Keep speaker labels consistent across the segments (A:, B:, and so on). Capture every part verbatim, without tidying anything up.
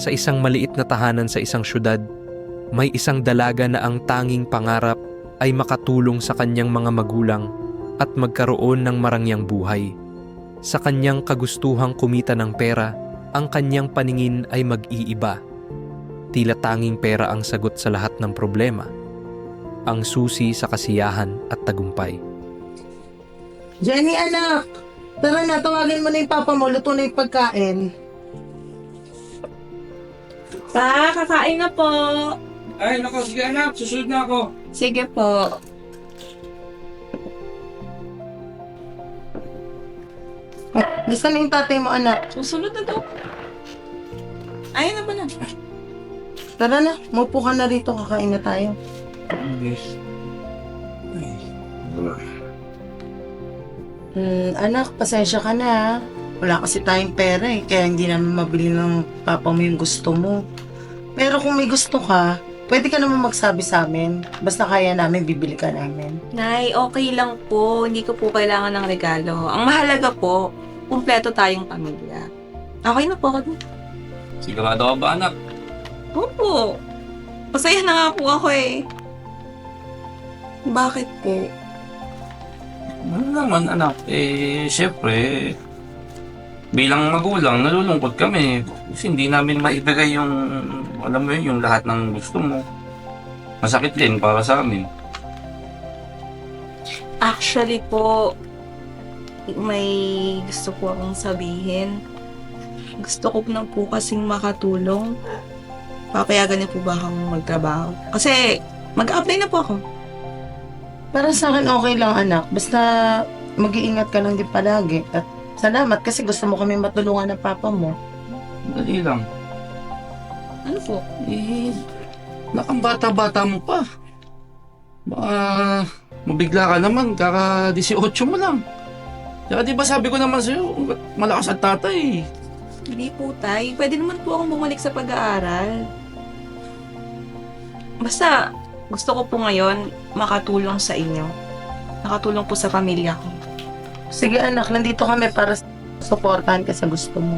A: Sa isang maliit na tahanan sa isang syudad, may isang dalaga na ang tanging pangarap ay makatulong sa kanyang mga magulang at magkaroon ng marangyang buhay. Sa kanyang kagustuhang kumita ng pera, ang kanyang paningin ay mag-iiba. Tila tanging pera ang sagot sa lahat ng problema. Ang susi sa kasiyahan at tagumpay.
B: Jenny, anak! Tara na, tawagin mo na yung papa mo, luto na yung pagkain.
C: Pa, kakain na po.
D: Ay, nako, sige anak, susunod na ako.
C: Sige po.
B: Gusto na yung tatay mo, anak.
C: Susunod na to. Ayun na ba na?
B: Tara na, mupo ka na rito, kakain na tayo.
D: Yes. Ay, wala.
B: Hmm, anak, pasensya ka na ha. Wala kasi tayong pera eh, kaya hindi namin mabili ng papa mo yung gusto mo. Pero kung may gusto ka, pwede ka naman magsabi sa amin. Basta kaya namin, bibili ka namin.
C: Nay, okay lang po. Hindi ko po kailangan ng regalo. Ang mahalaga po, kumpleto tayong pamilya. Okay na po ako.
D: Sigurado ka ba anak?
C: Opo. Masaya na nga po ako eh. Bakit po?
D: Ano naman anak, eh, syempre, bilang magulang, nalulungkot kami. Kasi hindi namin maibigay yung, alam mo yun, yung lahat ng gusto mo. Masakit din para sa amin.
C: Actually po, may gusto po akong sabihin. Gusto ko na po kasing makatulong. Papayagan niyo po ba akong magtrabaho? Kasi mag-apply na po ako.
B: Para sa akin, okay lang anak. Basta mag-iingat ka lang din palagi. At salamat kasi gusto mo kami matulungan ng papa mo.
D: Dali lang.
C: Ano po?
D: Eh, nakang bata-bata mo pa. Baka mabigla ka naman, kaka eighteen mo lang. Kaya di ba sabi ko naman sa'yo, malakas at tatay.
C: Hindi po, tay. Pwede naman po akong bumalik sa pag-aaral. Basta, gusto ko po ngayon makatulong sa inyo. Nakatulong po sa pamilya ko.
B: Sige anak, nandito kami para suportahan ka sa gusto mo.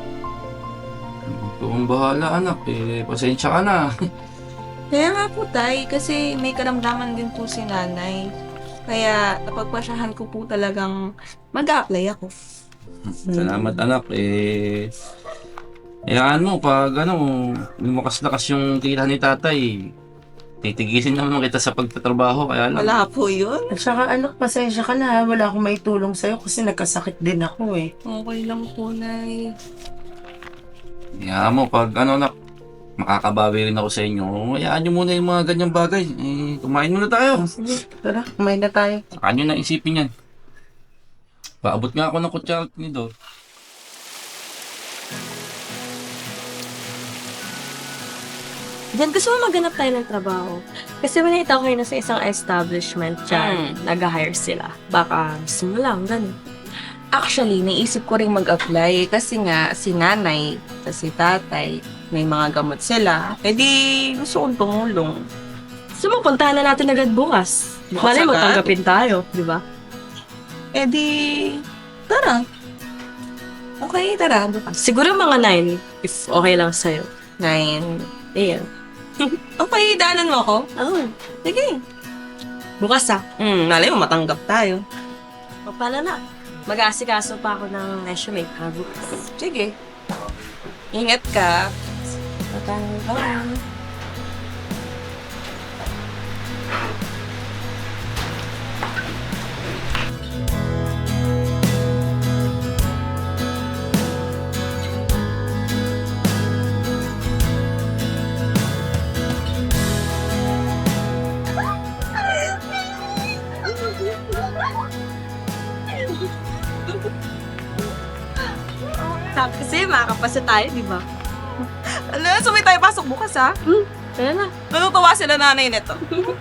D: Ikaw ang bahala anak, eh, pasensya ka na.
C: Kaya nga po, tay. Kasi may karamdaman din po si nanay. Kaya napagpasyahan ko po talagang mag-a-apply ako.
D: Salamat anak, eh, hayaan mo, pag ano, lumakas-lakas yung tira ni tatay, titigisin naman kita sa pagtatrabaho, kaya lang.
C: Wala po yun.
B: At saka anak, pasensya ka na ha. Wala akong maitulong sa'yo kasi nagkasakit din ako eh.
C: Okay lang po, nay.
D: Hayaan mo, pag ano anak, makakabawi rin ako sa inyo, hayaan nyo muna yung mga ganyang bagay. Eh, kumain muna tayo.
B: Sige, tara, kumain na tayo.
D: Saka nyo na isipin yan. Paabot nga ako ng kutsara ni Dor.
E: Diyan gusto mo maghanap tayo ng trabaho. Kasi manita ko na sa isang establishment dyan, nag-hire sila. Baka gusto mo lang, ganun.
F: Actually, naisip ko rin mag-apply kasi nga si nanay at si tatay, may mga gamot sila. Eh di, gusto kong tumulong.
E: Gusto mo, puntahan na natin agad bukas.
F: Bukas
E: Malay mo,
F: agad?
E: tanggapin tayo, di ba?
F: Eh di, tara. Okay, tara. Bukas.
E: Siguro mga nine, if okay lang sa'yo.
F: Nine.
E: Ayan.
F: Okay, daanan mo ako?
E: Oo.
F: Sige.
E: Bukas ah.
F: Hmm, malay mo matanggap tayo.
E: O paano na? Mag-aasikaso pa ako ng resume para bukas.
F: Sige. Ingat ka.
E: Bye-bye. Kasi makakapasa tayo, di ba?
F: Ala, sumay tayo pasok bukas ha.
E: Tara na.
F: Natutuwa sila nanay nito.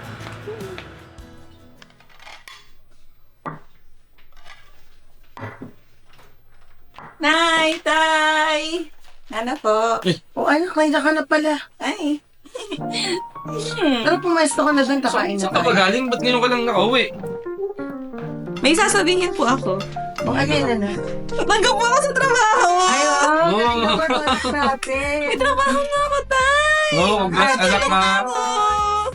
F: Nay, tay! Ano po?
B: O anak, nandiyan ka na pala.
F: Ay.
B: Tara, pumesto ka na doon, kakain na
D: Saan ka ba
B: tayo.
D: galing? Ba't ngayon ka lang nakauwi?
F: May sasabihin po ako.
B: O ano yun, anak?
C: Tanggap mo ako sa trabaho!
B: Ay, wow.
D: Oo.
B: Galing naman ang anak natin.
C: May trabaho na ako, Tay!
D: Oo, congrats anak na.
C: Oo.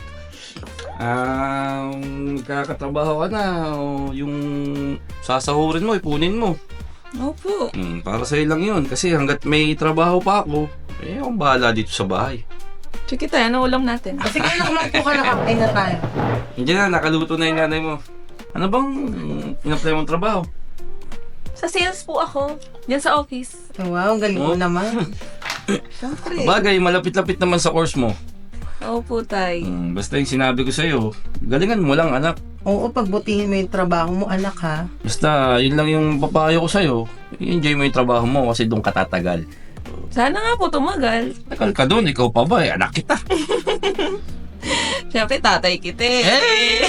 D: Ah, magkakatrabaho ka na. O, yung sasahurin mo, ipunin mo.
C: Opo.
D: Hmm, para sa'yo lang yun. Kasi hanggat may trabaho pa ako, eh akong bahala dito sa bahay.
C: Sige tayo, ano ulam natin?
B: Sige, anak, magpo ka na, kapain na tayo.
D: Hindi na, nakaluto na yung nanay mo. Ano bang in-apply mong trabaho?
E: Sa sales po ako. Yan sa office.
B: Wow, ang galing mo
D: Oh.
B: naman.
C: Siyempre.
D: Bagay, malapit-lapit naman sa course mo.
C: Opo, Tay.
D: Hmm, basta yung sinabi ko sa'yo, galingan mo lang anak.
B: Oo, pagbutihin mo yung trabaho mo, anak, ha?
D: Basta, yun lang yung papayo ko sa'yo. I-enjoy mo yung trabaho mo kasi doon ka tatagal.
C: Sana nga po tumagal.
D: Tagal ka doon, ikaw pa ba? Eh, anak kita.
C: Siyempre, tatay kita eh.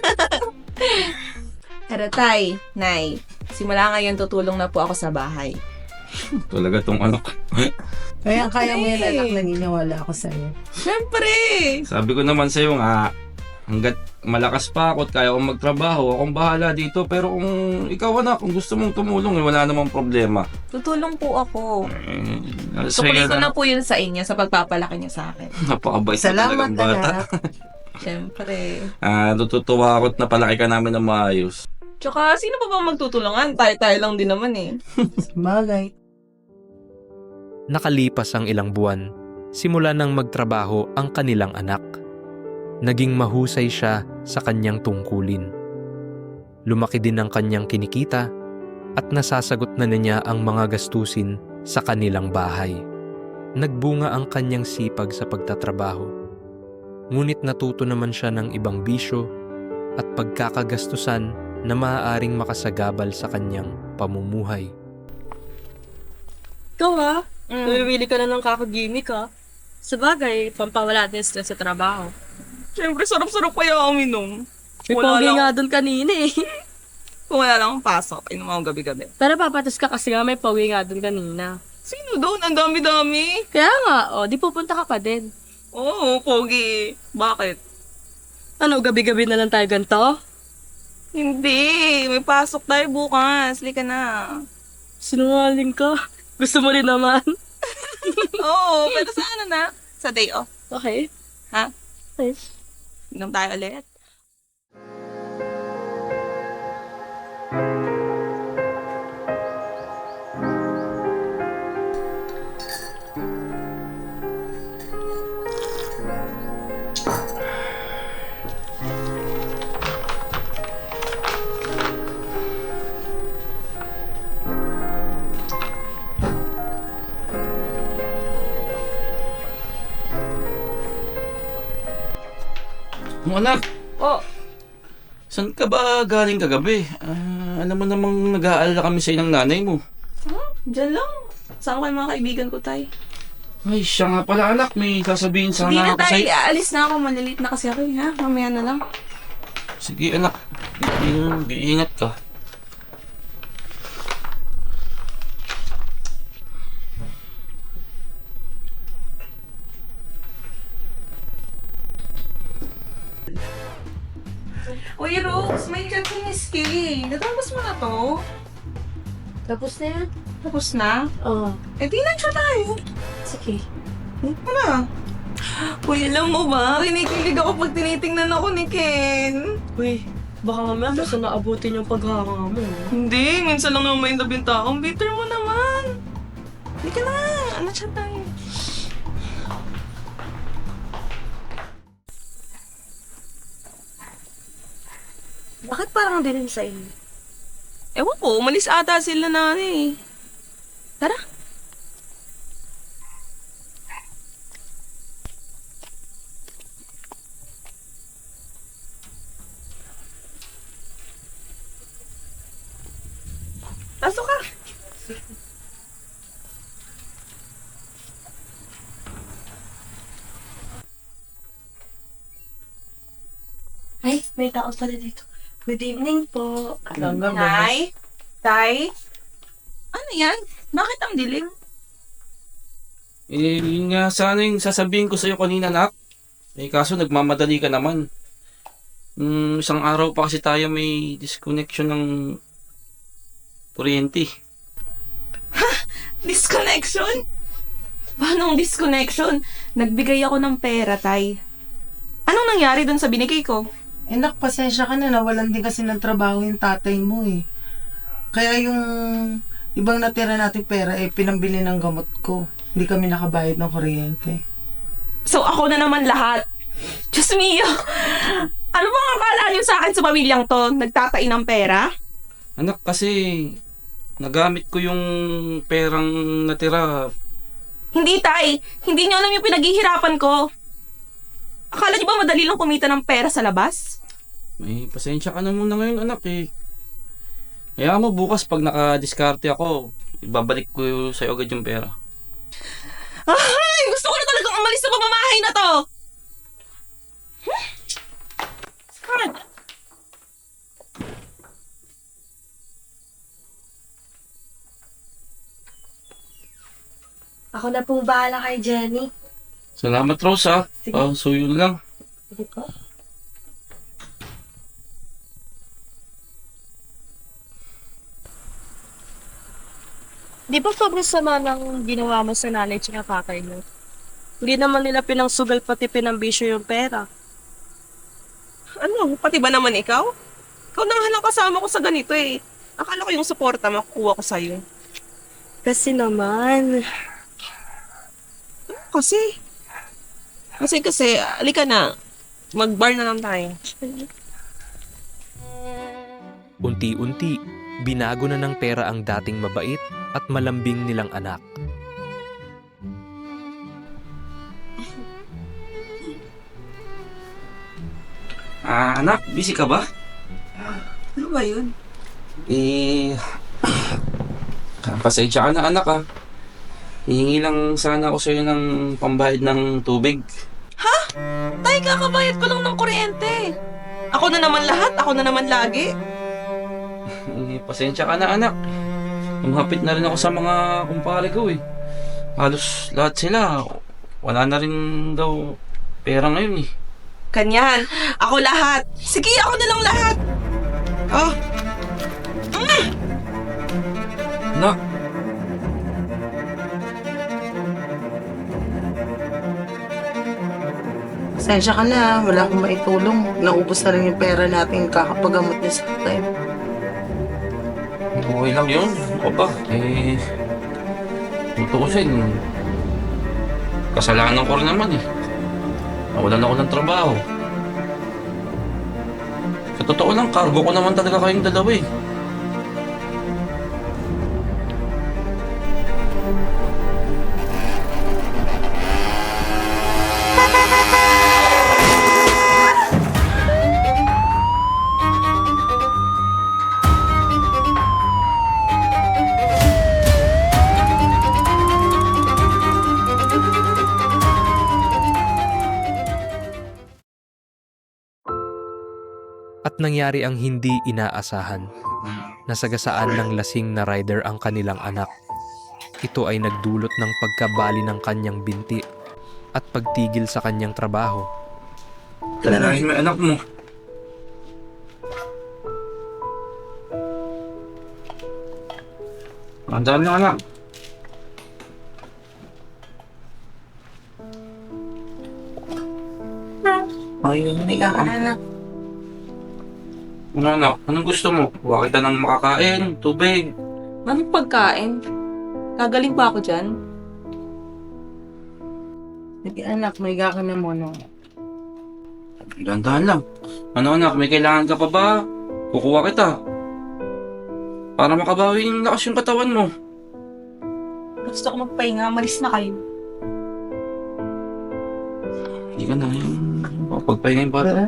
C: Pero Tay, Nay, simula ngayon tutulong na po ako sa bahay.
D: Talaga tong anak.
B: Kaya kaya mo yan, anak, naniniwala ako sa'yo.
C: Siyempre!
D: Sabi ko naman sa'yo nga, hanggat malakas pa ako at kaya akong magtrabaho, akong bahala dito. Pero kung ikaw anak, kung gusto mong tumulong, eh, wala namang problema.
C: Tutulong po ako.
D: Eh,
C: Tukulit ko
D: sa'yo
C: na po yun sa inyo sa pagpapalaki niyo sa akin.
D: Napakabait na
B: Salamat,
D: talagang bata.
B: anak.
C: Siyempre.
D: Ah, natutuwa ako at napalaki ka namin ng maayos.
C: Tsaka, sino pa ba magtutulungan? Tayo-tayo lang din naman eh.
B: Bagay.
A: Nakalipas ang ilang buwan, simula nang magtrabaho ang kanilang anak. Naging mahusay siya sa kanyang tungkulin. Lumaki din ang kanyang kinikita at nasasagot na niya ang mga gastusin sa kanilang bahay. Nagbunga ang kanyang sipag sa pagtatrabaho. Ngunit natuto naman siya ng ibang bisyo at pagkakagastusan na maaaring makasagabal sa kanyang pamumuhay.
E: Ikaw ha?
C: Mm.
E: Namimili ka na ng kakagimik ha? Sabagay, pampawala din stress sa trabaho.
C: Siyempre, sarap-sarap kaya ako minom.
E: May
C: Wala
E: pogi
C: lang.
E: nga doon kanina eh.
C: Kung wala lang akong pasok, inom ako gabi-gabi.
E: Pero papatos ka kasi nga may pogi nga doon kanina.
C: Sino doon? Ang dami-dami.
E: Kaya nga, o, di pupunta ka pa din.
C: Oo, pogi. Bakit?
E: Ano, gabi-gabi na lang tayo ganito?
C: Hindi. May pasok tayo bukas. Lika na.
E: Sinungaling ka. Gusto mo rin naman.
C: Oo, pero sa ano na? Sa day off.
E: Okay.
C: Ha?
E: Okay.
C: Inom tayo ulit.
D: Mga anak,
C: Oh,
D: saan ka ba galing kagabi? Ah, alam mo namang nag-aalala kami sa inang nanay mo.
C: dyan lang. Saan ko yung mga kaibigan ko, Tay?
D: Ay, siya nga pala anak, may sasabihin
C: Hindi
D: sana
C: na,
D: ako
C: Tay.
D: sa'yo.
C: Aalis na ako. Malilit na kasi ako, eh, ha? Mamaya na lang.
D: Sige anak, Iingat- iingat ka.
C: Uy, Rose, may Japanese cake. Natapos mo na to?
E: Tapos na yan?
C: Tapos na?
E: Oo.
C: Eh, di na siya tayo.
E: Sige.
C: Ano? Uy, alam mo ba? Kinikilig ako pag tinitingnan ako ni Ken.
E: Uy, baka mamaya gusto na abutin yung paghanga mo.
C: Hindi, minsan lang naman may nabinta. Ang bitter mo naman. Hindi ka na. Ano siya tayo?
E: Bakit parang din sa inyo?
C: Ewan ko, umalis ata sila na eh. Tara. Pasok ka.
E: Ay, may tao pala dito. Good evening po.
B: Hanggang
C: Nay? Tay? Ano yan? Bakit ang dilim?
D: Eh, yun nga sana yung sasabihin ko sa'yo kanina anak. Eh, kaso nagmamadali ka naman. Hmm, isang araw pa kasi tayo may disconnection ng kuryente.
F: Disconnection? Paano ang disconnection? Nagbigay ako ng pera, Tay. Anong nangyari dun sa binigay ko?
B: Eh, nak, pasensya ka na. Nawalan din kasi ng trabaho yung tatay mo eh. Kaya yung ibang natira nating pera eh, pinambili ng gamot ko. Hindi kami nakabayad ng kuryente.
F: So ako na naman lahat. Diyos mio! Ano bang akala niyo sa akin sa pamilyang to? Nagtatain ng pera?
D: Anak, kasi nagamit ko yung perang natira.
F: Hindi, Tay. Hindi niyo alam yung pinaghihirapan ko. Akala niyo ba madali lang kumita ng pera sa labas?
D: May pasensya ka na muna ngayon, anak eh. Kaya mo bukas pag nakadiskarte ako, ibabalik ko sa'yo agad yung pera.
F: Ay! Gusto ko na talagang umalis sa pamamahay na to! Hmm? Saan?
E: Ako na pong bahala kay Jenny.
D: Salamat, Rose, ha?
E: Sige.
D: Ah, so yun lang.
E: Sige po. Di ba sobrang sama ng ginawa mo sa nanay at tatay mo? Hindi naman nila pinangsugal pati pinambisyo yung pera.
F: Ano? Pati ba naman ikaw? Ikaw na nga lang kasama ko sa ganito eh. Akala ko yung suporta makukuha ko sa'yo.
E: Kasi naman,
F: Kasi? Kasi kasi, alika na. Mag-bar na lang tayo.
A: Unti-unti, binago na ng pera ang dating mabait at malambing nilang anak.
D: Ah, anak, busy ka ba?
F: Ano ba yun?
D: Eh, pasensya ka na, anak, ha? Hihingi lang sana ako sa'yo ng pambayad ng tubig.
F: Tay, kakabayad ko lang ng kuryente. Ako na naman lahat, ako na naman lagi.
D: Eh, pasensya ka na, anak. Umapit na rin ako sa mga kumpare ko, eh. Halos lahat sila, wala na rin daw pera ngayon, eh.
F: Kanyan, ako lahat. Sige, ako na lang lahat. Oh,
D: Anak,
B: Pasensya ka na. Wala akong maitulong. Naubos na rin yung pera natin kakapagamot niya sa akin.
D: okay lang yun. Ako ba? Eh, tutuusin. Kasalanan ko rin naman, eh. Nawalan ako ng trabaho. Sa totoo lang, cargo ko naman talaga kayong dalawa, eh.
A: At nangyari ang hindi inaasahan. Nasagasaan ng lasing na rider ang kanilang anak. Ito ay nagdulot ng pagkabali ng kanyang binti at pagtigil sa kanyang trabaho.
D: Dahil may anak mo. Ang dami ng anak.
B: Ayun, hindi ka ka na.
D: Ano anak, anong gusto mo? Huwag kita ng makakain, tubig.
F: anong pagkain? Gagaling pa ako dyan.
B: Sige anak, may ka na muna.
D: Dahan-dahan lang. Ano anak, may kailangan ka pa ba? Kukuha kita. Para makabawi yung lakas yung katawan mo.
F: Gusto ko magpahinga, malis na kayo.
D: Hindi ka na yung pagpahinga yung bata.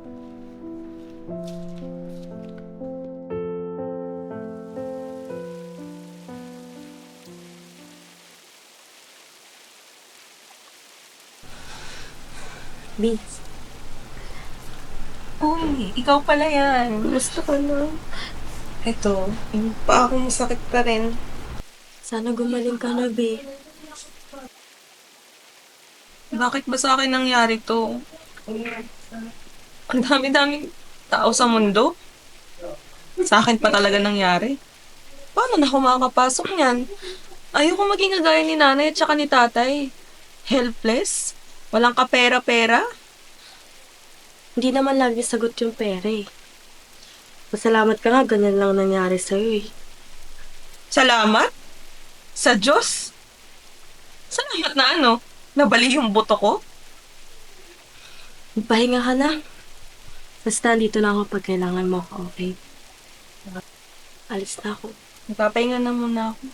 E: Vince,
F: Uy, ikaw pala yan.
E: gusto ko na.
F: Ito, yung pa ako masakit pa rin.
E: Sana gumaling ka na, be.
F: Bakit ba sa akin nangyari to? Ang dami-daming tao sa mundo. Sa akin pa talaga nangyari. Paano na ako makakapasok niyan?
C: Ayoko maging kagaya ni nanay at saka ni tatay. Helpless. Walang kapera-pera.
E: Hindi naman lagi sagot yung pera eh. Masalamat ka nga, ganyan lang nangyari sa'yo eh.
C: Salamat? Sa Diyos? Salamat na ano? Nabali yung buto ko?
E: Magpahinga ka na. Basta dito lang ako pag kailangan mo ako, okay? Alis na ako.
C: Nagpapahinga na muna ako.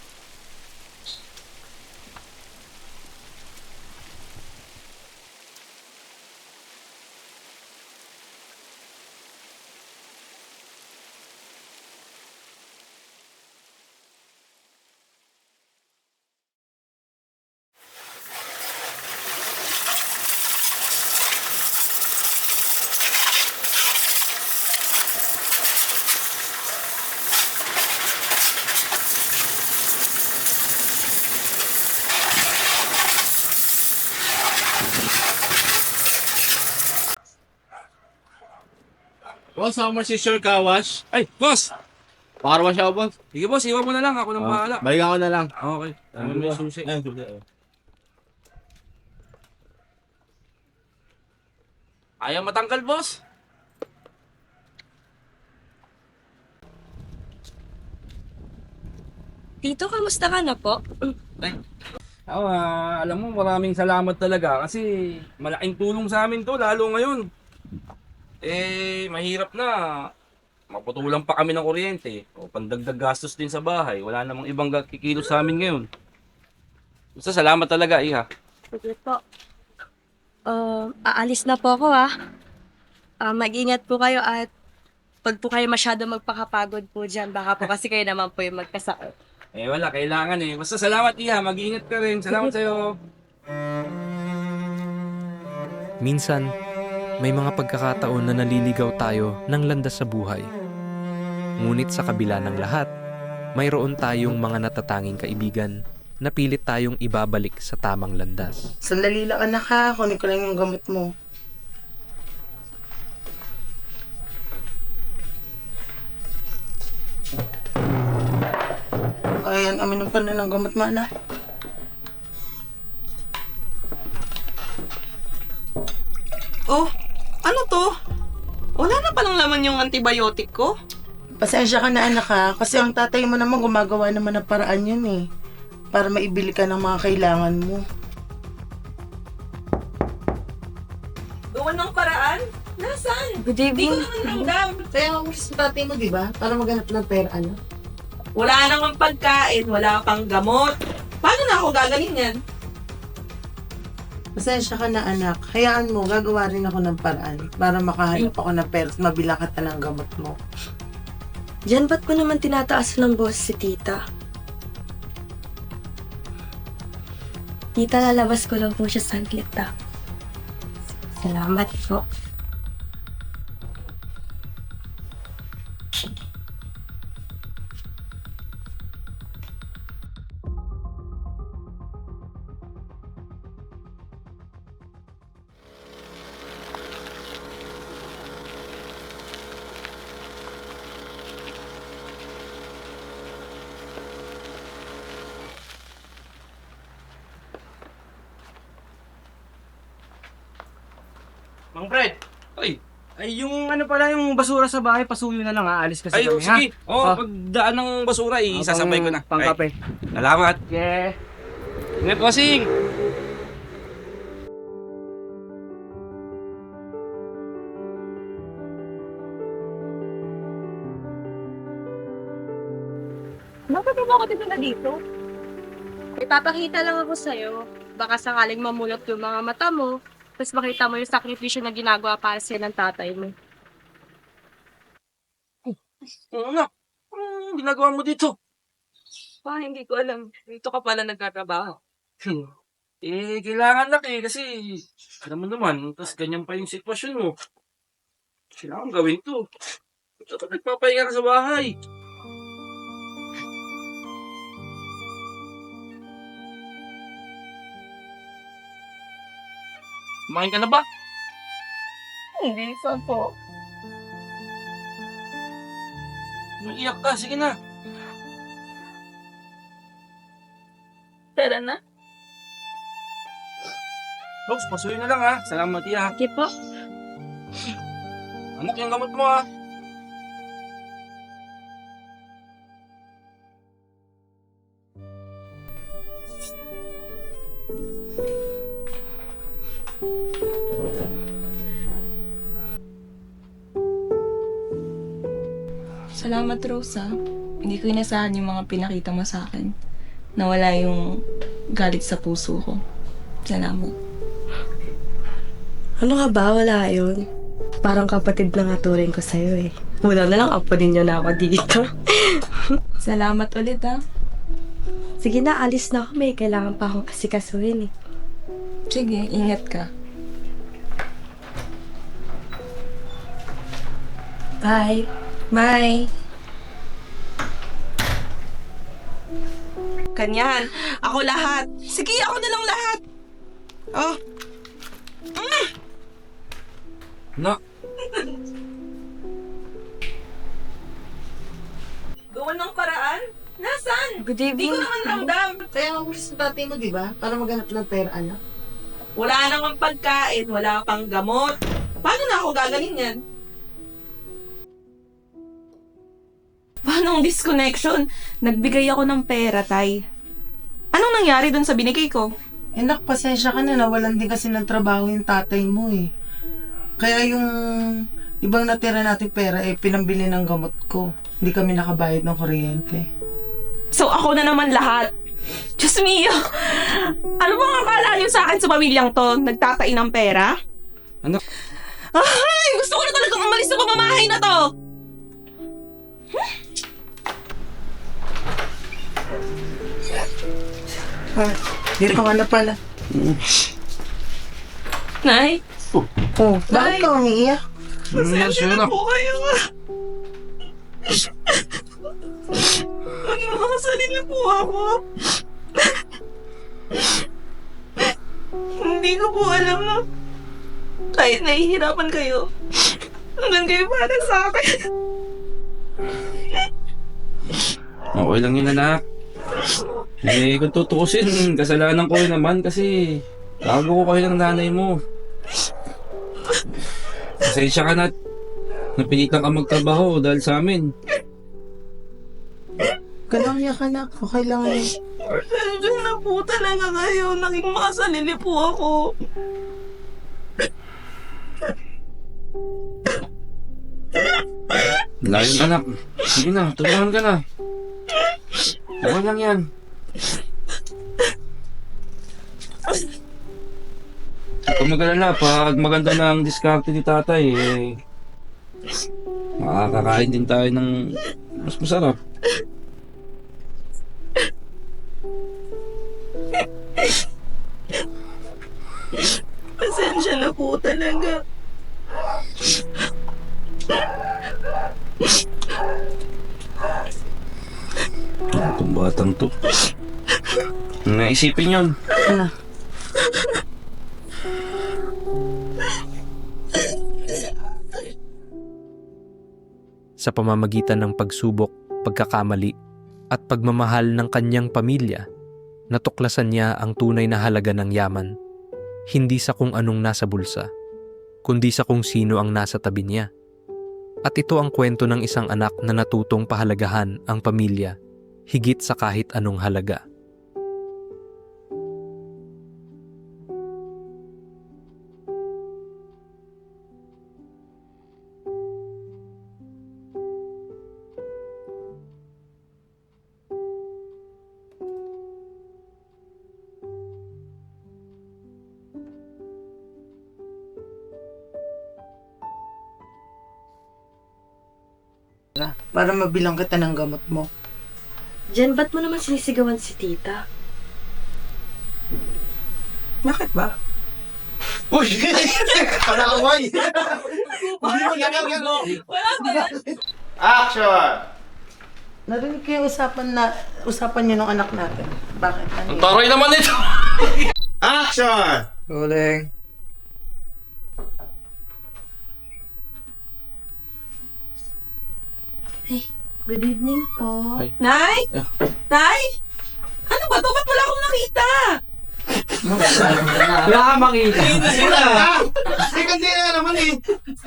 G: Boss, how much is your car wash?
D: Ay, boss!
G: Car wash ako, boss.
D: Sige boss, iwan mo na lang. Ako nang bahala.
G: Balikan ko na lang.
D: Okay. Ano mo yung susi?
G: Ayun, susi.
D: Ayaw matanggal, boss.
E: Tito, kamusta ka na po?
D: Ako, ah, alam mo, maraming salamat talaga kasi malaking tulong sa amin to, lalo ngayon. Eh, mahirap na. Maputulang pa kami ng kuryente. O pandagdag gastos din sa bahay. Wala namang ibang kikilos sa amin ngayon. Basta salamat talaga, iha.
E: Sige po. Uh, aalis na po ako ah. Ah, mag-ingat po kayo at pag po kayo masyado magpakapagod po dyan, baka po kasi kayo naman po yung magkasakit.
D: Eh, wala. Kailangan eh. Basta salamat, iha. Mag-ingat ka rin. Salamat sa'yo.
A: Minsan, may mga pagkakataon na naliligaw tayo ng landas sa buhay. Ngunit sa kabila ng lahat, mayroon tayong mga natatanging kaibigan na pilit tayong ibabalik sa tamang landas.
B: Sandali lang anak ha, kunin ko lang yung gamot mo. Ayan, aminom ka na ng gamot mo anak.
C: Oh, ano to? Wala na palang laman yung antibiotic ko.
B: Pasensya ka na anak ha, kasi ang tatay mo naman gumagawa naman ng paraan yun eh. Para maibili ka ng mga kailangan mo.
C: Gawa ng paraan? Nasaan?
E: Good
C: Hindi ko
E: evening.
C: naman ramdam.
B: Kaya ang gusto sa tatay mo, di ba? Para maghanap ng pera, ano?
C: Wala namang pagkain, wala pang gamot. Paano na ako gagaling yan?
B: Pasensya ka na anak. Hayaan mo, gagawa rin ako ng paraan para makahanap ako ng pera at mabila ka ng gamot mo.
E: Diyan ba't ko naman tinataas ng boss si tita? Tita, lalabas ko lang po siya saglit ah. Salamat po.
H: Mang Fred,
D: Ay,
H: ay yung ano pala yung basura sa bahay, pasuyo na lang, aalis kasi
D: ay,
H: kami,
D: sige.
H: ha?
D: Oh,
H: Oh.
D: pagdaan ng basura,
H: Oh,
D: isasabay ko na.
H: Pang
D: Ay,
H: kape.
D: salamat.
H: Yeah.
D: Ingat, bossing.
E: Bakit mo ako dito na dito? Ipapakita lang ako sa'yo. Baka sakaling mamulot yung mga mata mo, tapos makita mo yung sakripisyo na ginagawa para sa ng tatay mo.
D: Oo nga. Anong ginagawa mo dito?
C: Pa, hindi ko alam. Dito ka pala nagkatrabaho.
D: Hmm. Eh, kailangan na eh, kasi alam mo naman, tapos ganyan pa yung sitwasyon mo. Kailangan gawin to. Dapat nagpapahinga ka sa bahay. Kumain ka na ba?
C: Hindi, saan po?
D: Naiyak ka, sige na.
C: Tara na.
D: Rose, pasuyo na lang ha. Salamat, Tia.
E: Sige po.
D: Anak, yung gamot mo ha.
F: Salamat, Rosa. Hindi ko inasahan yung mga pinakita mo sa akin. Nawala yung galit sa puso ko. Salamat.
E: Ano ka ba? Wala yun. Parang kapatid na nga turing ko sa'yo eh. Muna na lang, apo ninyo na ako dito.
F: Salamat ulit, ha.
E: Sige na, alis na ako. May kailangan pa akong asikasuhin eh.
F: Sige, ingat ka.
E: Bye.
F: Bye! Kanyan, ako lahat. Sige, ako na lang lahat. Oh,
D: Anak,
F: gawan ng paraan? Nasaan?
E: Good
F: Hindi ko
E: evening.
F: naman ramdam.
B: Kaya nga gusto sa tatay mo, di ba? Para maghanap ng pera, anak.
F: Wala namang pagkain, wala pang gamot. Paano na ako gagaling yan? Paano ang disconnection? Nagbigay ako ng pera, Tay. Anong nangyari dun sa binigay ko?
B: Eh, nak, pasensya ka na. Nawalan din kasi ng trabaho yung tatay mo eh. Kaya yung ibang natira nating pera, eh, pinambili ng gamot ko. Hindi kami nakabayad ng kuryente.
F: So ako na naman lahat. Diyos mio! Ano bang akala niyo sa akin sa pamilyang to? Nagtatain ng pera?
D: Anak.
F: Ay! Gusto ko na talagang umalis sa pamamahay na to!
B: Ah, dito ka na pala.
F: Nay?
B: Oh, bakit ka umiiyak?
F: Pasensya na po kayo. Maging makasarili po ako. Hindi ko po alam na kahit nahihirapan kayo, hanggang kayo para sa akin.
D: okay lang yun, anak. Eh, kung tutuusin, kasalanan ko rin naman kasi bago ko kayo ng nanay mo. Pasensya ka na at napilitan ka magtrabaho dahil sa amin.
B: Ganang iyak ka, nak. Okay lang yun.
F: Pasensya na po talaga kayo. Naging makasalili po ako.
D: Wala yun, anak. Sige na, tulungan ka na. Okay lang yan. Kung mag-alala, pag maganda na ang diskarte ni tatay, eh, makakakain din tayo ng mas masarap.
F: Pasensya na po talaga.
D: Itong batang to. Naisipin yun.
B: Ano?
A: Sa pamamagitan ng pagsubok, pagkakamali, at pagmamahal ng kanyang pamilya, natuklasan niya ang tunay na halaga ng yaman, hindi sa kung anong nasa bulsa, kundi sa kung sino ang nasa tabi niya. At ito ang kwento ng isang anak na natutong pahalagahan ang pamilya, higit sa kahit anong halaga.
B: Para mabilang kita ng gamot mo.
E: Jen, ba't mo naman sinisigawan si tita?
F: Bakit ba?
G: Uy! Panakaway! Action!
B: Narinig ko yung usapan na usapan niyo ng anak natin. Bakit? Ano
D: Ang
B: yun?
D: taray naman ito!
G: Action!
H: Uling.
E: Good evening po.
D: Ay.
F: Nay? Nay? Ano ba to? Ba't wala akong nakita?
H: Wala ka makita.
G: Second day na naman eh.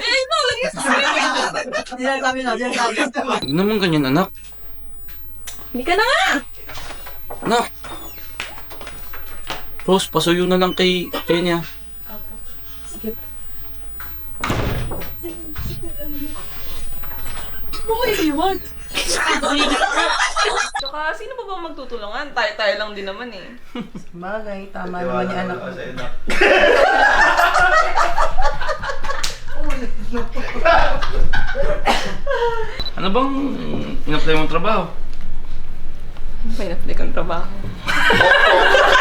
D: Huwag naman ganyan, anak.
F: Hindi ka na nga!
D: Anak! Rose, pasuyo na lang kay Kenya.
F: Tsaka, sino pa ba magtutulungan? Tayo-tayo lang din naman eh.
B: Bagay, tama naman yung anak ko.
D: Ano bang in-apply mong trabaho?
F: May na-apply kang trabaho.